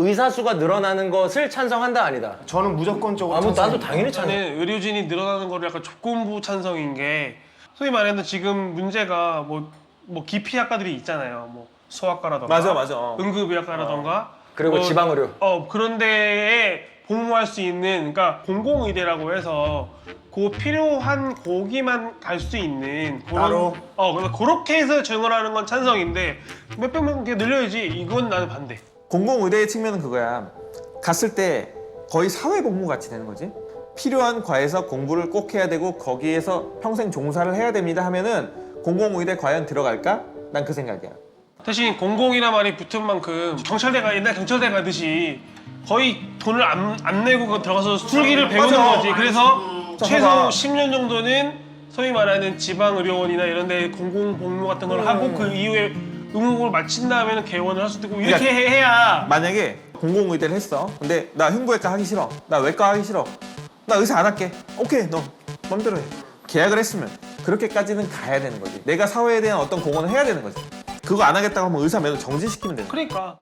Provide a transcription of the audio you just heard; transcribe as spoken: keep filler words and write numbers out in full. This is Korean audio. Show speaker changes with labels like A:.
A: 의사 수가 늘어나는 것을 찬성한다 아니다?
B: 저는 무조건적으로
A: 아, 뭐 나도
B: 찬성입니다.
A: 당연히 찬성.
C: 저는 의료진이 늘어나는 거를 약간 조건부 찬성인 게 소위 말하는 지금 문제가 뭐, 뭐 기피학과들이 있잖아요. 뭐 소아과라던가
D: 맞아, 맞아. 어.
C: 응급의학과라던가
A: 그리고
C: 뭐,
A: 지방의료.
C: 어 그런 데에 복무할 수 있는 그러니까 공공의대라고 해서 그 필요한 고기만 갈 수 있는 그런,
B: 따로?
C: 어 그래서 그렇게 해서 증언하는 건 찬성인데 몇백 명 이렇게 늘려야지 이건 나는 반대.
D: 공공의대의 측면은 그거야. 갔을 때 거의 사회복무 같이 되는 거지. 필요한 과에서 공부를 꼭 해야 되고 거기에서 평생 종사를 해야 됩니다 하면은 공공의대 과연 들어갈까? 난 그 생각이야.
C: 대신 공공이란 말이 붙은 만큼 경찰대가 옛날 경찰대 가듯이 거의 돈을 안, 안 내고 그 들어가서 술기를 배우는
D: 맞아.
C: 거지. 그래서
D: 자,
C: 최소
D: 봐봐.
C: 십 년 정도는 소위 말하는 지방의료원이나 이런 데 공공복무 같은 걸 하고 그 이후에 의무를 마친 다음에는 개원을 할 수도 있고 이렇게
D: 그러니까
C: 해야
D: 만약에 공공의대를 했어. 근데 나 흉부외과 하기 싫어. 나 외과 하기 싫어. 나 의사 안 할게. 오케이, 너 맘대로 해. 계약을 했으면 그렇게까지는 가야 되는 거지. 내가 사회에 대한 어떤 공헌을 해야 되는 거지. 그거 안 하겠다고 하면 의사 매너 정지시키면 되는 거야.
C: 그러니까